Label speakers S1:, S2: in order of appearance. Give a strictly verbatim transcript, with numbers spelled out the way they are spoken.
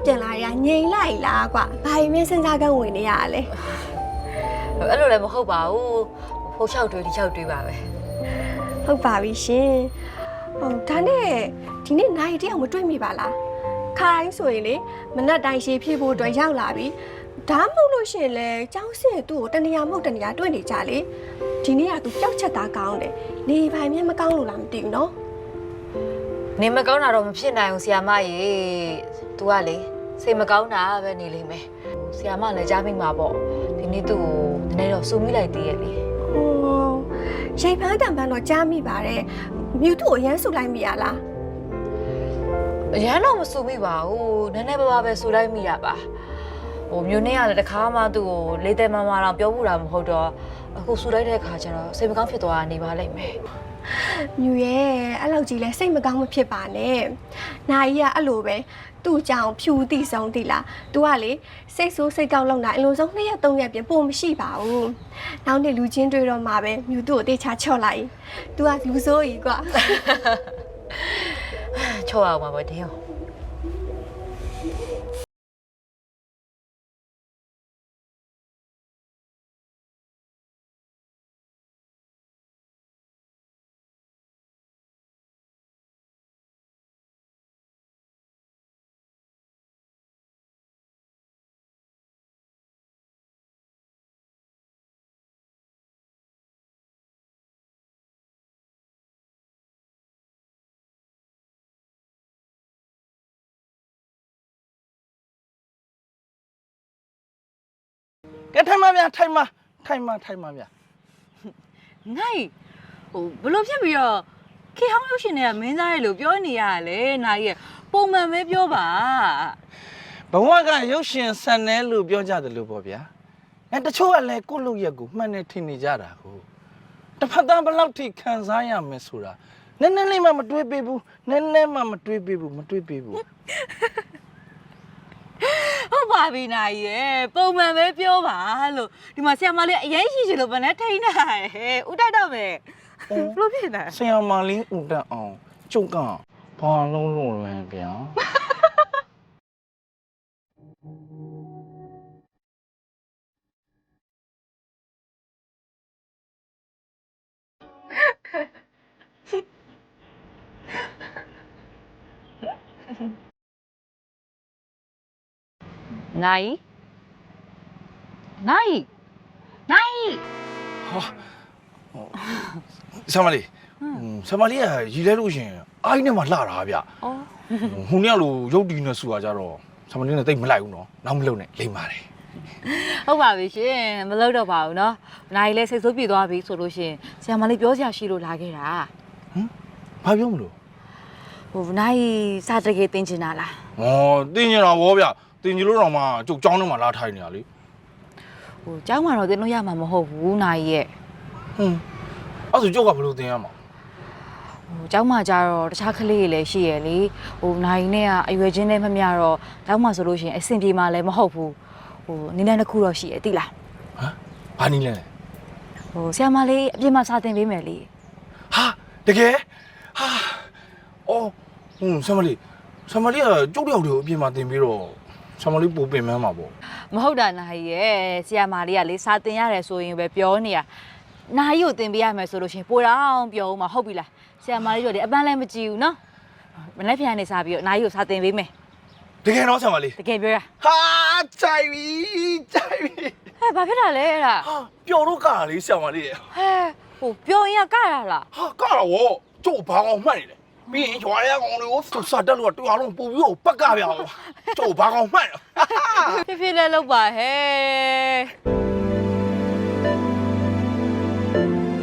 S1: ပြန်လာရငြိမ်လိုက်လားကွာဘာရင်မင်းစဉ်းစားကန်းဝင်နေရလဲ
S2: အဲ့လိုလည်းမဟုတ်ပါဘူးဖိုးချောက်တွေးဒီချောက်တွေးပါပဲ
S1: ဟုတ်ပါပြီရှင်ဟုတ်ဒါနဲ့ဒီနေ့နိုင်တယောက်မတွေ့မိပါလားခါတိုင်းဆိုရင်လေမနက်တိုင်းရှည်ဖြည့်ဖို့အတွက်ရောက်လာပြီဒါမှမဟုတ်လို့ရှင်လေကျောင်းစင်သူ့ကိုတနေရာမဟုတ်တနေရာတွေ့နေကြလေဒီနေ့ကသူပျောက်ချက်သားကောင်းတယ်နေပိုင်မျက်မကောင်းလို့လားမသိဘူးနော်
S2: နေမကောင်းတာတော့မဖြစ်နိုင်ဘူးဆရာမရေ तू ကလေစိတ်မကောင်းတာပဲနေလိမ့်မယ်ဆရာမလည်းကြားမိမှာပေါ့ဒီနေ့သူ့ကိုနည်းနည်းတော့စူမိလိုက်သေးရဲ့လေ
S1: ဟိုရိတ်ဖန်းတံပန်းတော့ကြားမိပါတယ်မြူသူ့ကိုရမ်းဆူလိုက်မိရလား
S2: အရန်တော့မစူမိပါဘူးနည်းနည်းပါးပါးပဲစူလိုက်မိရပါဟိုမျိုးနဲ့ကလည်းတခါမှသူ့ကိုလေးသက်မမတော့ပြောဘူးတာမဟုတ်တော့အခုစူလိုက်တဲ့ခါကျတော့စိတ်မကောင်းဖြစ်သွားနေပါလိမ့်မယ်
S1: မြူရဲ့အဲ့လောက်ကြီးလဲစိတ်မကောင်းမဖြစ်ပါနဲ့နိုင်ကြီးကအဲ့လိုပဲသူ့ကြောင့်ဖြူတိဆုံးတိလား तू ကလေစိတ်ဆိုးစိတ်ကောက်လောက်တာအလုံးစုံနှစ်ရက်သုံးရက်ပြင်ပုံမရှိပါဘူးနောက်နေ့လူချင်းတွေ့တော့မှပဲမြူသူ့ကိုတေချာချော့လိုက် तू ကလူဆိုးကြီးကွာ
S2: ချော့အောင်ပါဗောတင်း
S3: ကဲထိုင်မဗျာထိုင်မထိုင်မထိုင်မဗျာ
S4: ငိုင်းဟိုဘလို့ဖြစ်ပြီးတော့ခေဟောင်းရုပ်ရှင်တွေကမင်းသားရဲ့လို့ပြောနေရတာလေနိုင်ရဲ့ပုံမှန်ပဲပြောပါ
S3: ဘဝကရုပ်ရှင်ဆန်တယ်လို့ပြောကြတယ်လို့ပေါ့ဗျာအဲတချို့ကလည်းကိုယ့်လူရက်ကိုမှန်တယ်ထင်နေကြတာကိုတစ်ဖက်သားဘယ်လောက်ထိခံစားရမယ်ဆိုတာနည်းနည်းလေးမှမတွေးပေးဘူးနည်းနည်းမှမတွေးပေးဘူးမတွေးပေးဘူး
S4: ဟုတ်ပါပြီနိုင်ရဲ့ပုံမှန်ပဲပြောပါလို့ဒီမှာဆရာမလေးအရင်ရှိချင်လို့ဗနဲ့ထိန်းတာဟဲ့ဥတိုက်တော့မယ်ဘလို့ဖြစ်လဲ
S3: ဆရာမလေးဥတက်အောင်ကျုပ်ကဘာလုံးလုံးလဲဗျာ
S4: နိုင်နိုင်နိုင်
S3: ဟာဆရာမလေးဆရာမလေးကရည်လဲလို့ရှင်အိုင်းနဲ့မှလှတာဗျအော်ဟိုနေ့ကလို့ရုပ်တီနဲ့ဆူတာကြတော့ဆရာမလေးနဲ့တိတ်မလိုက်ဘူးနော်နောက်မလုံနဲ့လိမ့်ပါတယ်
S4: ဟုတ်ပါပြီရှင်မလုပ်တော့ပါဘူးနော်နိုင်လဲစိတ်ဆိုးပြေသွားပြီဆိုလို့ရှင်ဆရာမလေးပြောစရာရှိလို့လာခဲ့တာ
S3: ဟမ်ဘာပြောမလို့
S4: ဟိုနိုင်စာတကယ်တင်ချင်တာလား
S3: ဩတင်ချင်တာဗောဗျတင်ကြလို့တော့မှကျုပ်เจ้าထဲမှာလာထိုင်နေရလေ
S4: ဟိုเจ้าမှာတော့တင်လို့ရမှာမဟုတ်ဘူးနိုင်ရဲ့
S3: ဟွန်းအဲ့ဆိုကျုပ်ကဘယ်လိုတင်ရမှာ
S4: ဟိုเจ้าမှာကြတော့တခြားကလေးတွေလည်းရှိရလေဟိုနိုင်နဲ့ကအရွယ်ချင်းနဲ့မမျှတော့เจ้าမှာဆိုလို့ရှိရင်အဆင်ပြေမှာလည်းမဟုတ်ဘူးဟိုနည်းနည်းတစ်ခုတော့ရှိရသိလား
S3: ဟမ်ဘာနည်းလဲ
S4: ဟိုဆရာမလေးအပြင်မှာစာသင်ပေးမယ်လေ
S3: ဟာတကယ်ဟာအော်ဟွန်းဆရာမလေးဆရာမလေးကကျုပ်တယောက်တည်းကိုအပြင်မှာသင်ပြီးတော့ဆရာမလေးပိုပင်မန်းမှာပေါ့
S4: မဟုတ်တာနိုင်ရဲ့ဆရာမလေးကလေစာသင်ရတယ်ဆိုရင်ပဲပြောနေရနိုင်ကိုသင်ပေးရမယ်ဆိုလို့ရှိရင်ပိုတော့ပြောဦးမှာဟုတ်ပြီလားဆရာမလေးတို့လေအပန်းလည်းမကြည့်ဘူးနော်မနေ့ပြန်နေစားပြီးတော့နိုင်ကိုစာသင်ပေးမယ်
S3: တကယ်တော့ဆရာမလေး
S4: တကယ်ပြောရ
S3: ဟာကြိုက်ပြီကြိုက်ပြီ
S4: ဟဲ့ဘာဖြစ်တာလဲအဲ့ဒါ
S3: ဟာပျော်တော့ကတာလေးဆရာမလေး
S4: ဟဲ့ဟိုပြောရင်ကကရလား
S3: ဟာကတာဝကျုပ်ဘာကောင်မှတ်နေလဲပြီးရင်ရွာရကောင်တွေကိုစတက်လို့တူအောင်ပူပြီးတော့ပက်ကပြအောင်ကျုပ်ဘာကောင်မှတ်
S4: ဖြစ်ဖြစ်လဲလောက်ပါဟဲ့